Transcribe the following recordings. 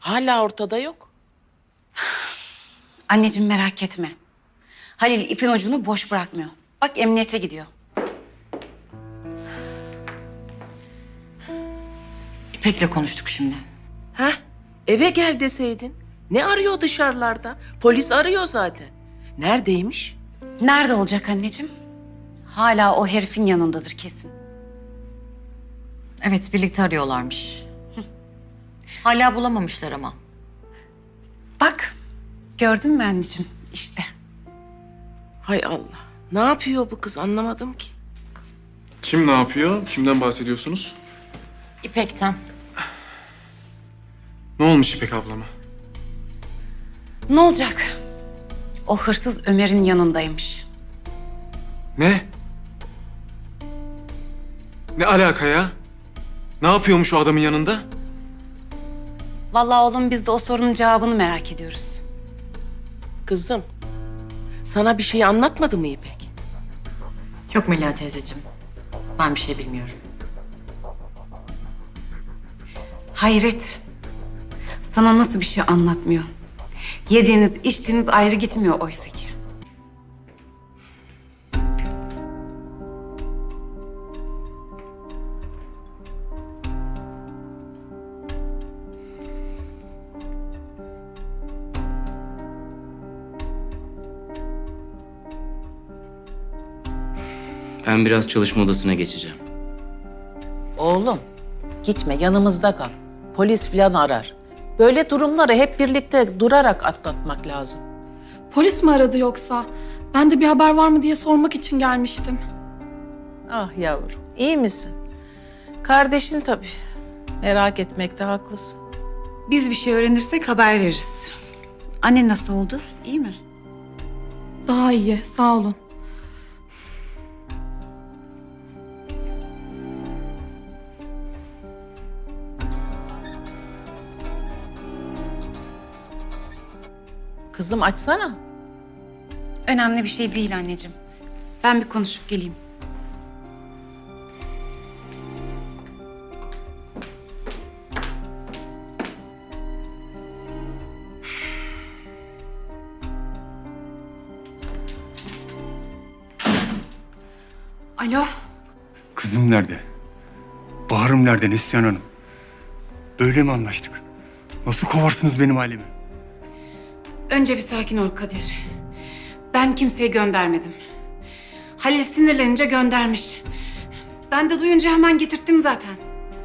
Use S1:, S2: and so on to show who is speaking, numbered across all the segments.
S1: Hala ortada yok.
S2: Anneciğim merak etme. Halil ipin ucunu boş bırakmıyor. Bak emniyete gidiyor.
S3: İpek'le konuştuk şimdi.
S1: Ha? Eve gel deseydin. Ne arıyor dışarılarda? Polis arıyor zaten. Neredeymiş?
S2: Nerede olacak anneciğim? Hala o herifin yanındadır kesin.
S3: Evet, birlikte arıyorlarmış. Hala bulamamışlar ama.
S2: Bak gördün mü anneciğim işte.
S1: Hay Allah. Ne yapıyor bu kız anlamadım ki.
S4: Kim ne yapıyor? Kimden bahsediyorsunuz?
S3: İpek'ten.
S4: Ne olmuş İpek ablama?
S2: Ne olacak? O hırsız Ömer'in yanındaymış.
S4: Ne? Ne alaka ya? Ne yapıyormuş o adamın yanında?
S2: Vallahi oğlum biz de o sorunun cevabını merak ediyoruz.
S1: Kızım, sana bir şey anlatmadı mı İpek?
S3: Yok Melia teyzeciğim. Ben bir şey bilmiyorum.
S2: Hayret. Sana nasıl bir şey anlatmıyor? Yediğiniz, içtiğiniz ayrı gitmiyor oysa ki.
S5: Ben biraz çalışma odasına geçeceğim.
S1: Oğlum, gitme yanımızda kal. Polis filan arar. Böyle durumları hep birlikte durarak atlatmak lazım.
S6: Polis mi aradı yoksa? Ben de bir haber var mı diye sormak için gelmiştim.
S1: Ah yavrum, iyi misin? Kardeşin tabii. Merak etmekte haklısın.
S2: Biz bir şey öğrenirsek haber veririz. Anne nasıl oldu? İyi mi?
S6: Daha iyi, sağ olun.
S1: Kızım açsana.
S2: Önemli bir şey değil anneciğim. Ben bir konuşup geleyim. Alo.
S7: Kızım nerede? Bahar'ım nerede Neslihan Hanım? Böyle mi anlaştık? Nasıl kovarsınız benim ailemi?
S2: Önce bir sakin ol Kadir. Ben kimseyi göndermedim. Halil sinirlenince göndermiş. Ben de duyunca hemen getirttim zaten.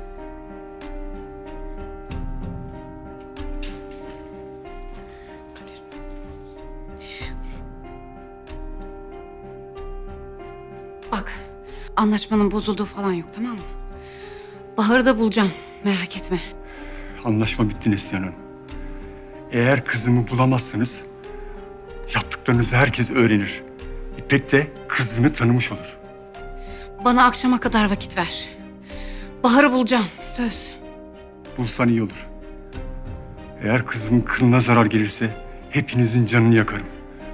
S2: Bak, anlaşmanın bozulduğu falan yok, tamam mı? Bahar'ı da bulacağım, merak etme.
S7: Anlaşma bitti Neslihan Hanım. Eğer kızımı bulamazsanız yaptıklarınızı herkes öğrenir. İpek de kızını tanımış olur.
S2: Bana akşama kadar vakit ver. Bahar'ı bulacağım, söz.
S7: Bulsan iyi olur. Eğer kızımın kılına zarar gelirse hepinizin canını yakarım.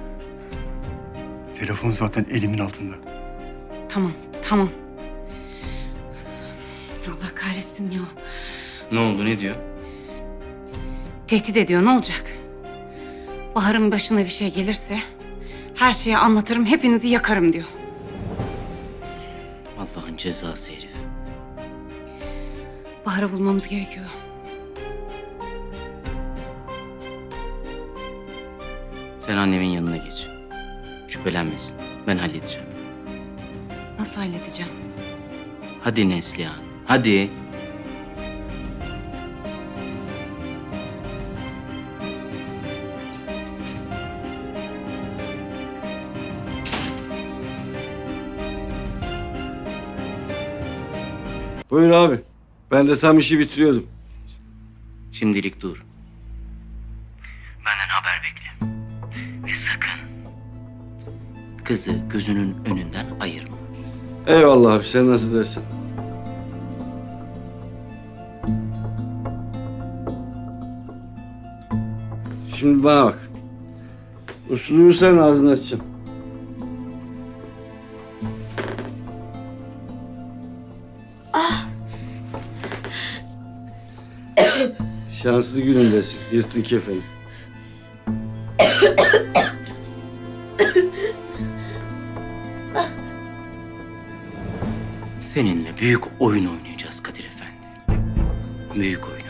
S7: Telefon zaten elimin altında.
S2: Tamam, tamam. Allah kahretsin ya.
S5: Ne oldu, ne diyor?
S2: Tehdit ediyor, ne olacak? Bahar'ın başına bir şey gelirse her şeyi anlatırım, hepinizi yakarım diyor.
S5: Allah'ın cezası herif.
S2: Bahar'ı bulmamız gerekiyor.
S5: Sen annemin yanına geç. Şüphelenmesin. Ben halledeceğim.
S2: Nasıl halledeceğim?
S5: Hadi Neslihan, hadi.
S8: Buyur abi. Ben de tam işi bitiriyordum.
S5: Şimdilik dur. Benden haber bekle. Ve sakın kızı gözünün önünden ayırma.
S8: Eyvallah abi, sen nasıl dersin? Şimdi bana bak. Uslu uyursan ağzını açacağım. Şanslı günündesin. Yırttın kefeni.
S5: Seninle büyük oyun oynayacağız Kadir Efendi. Büyük oyun.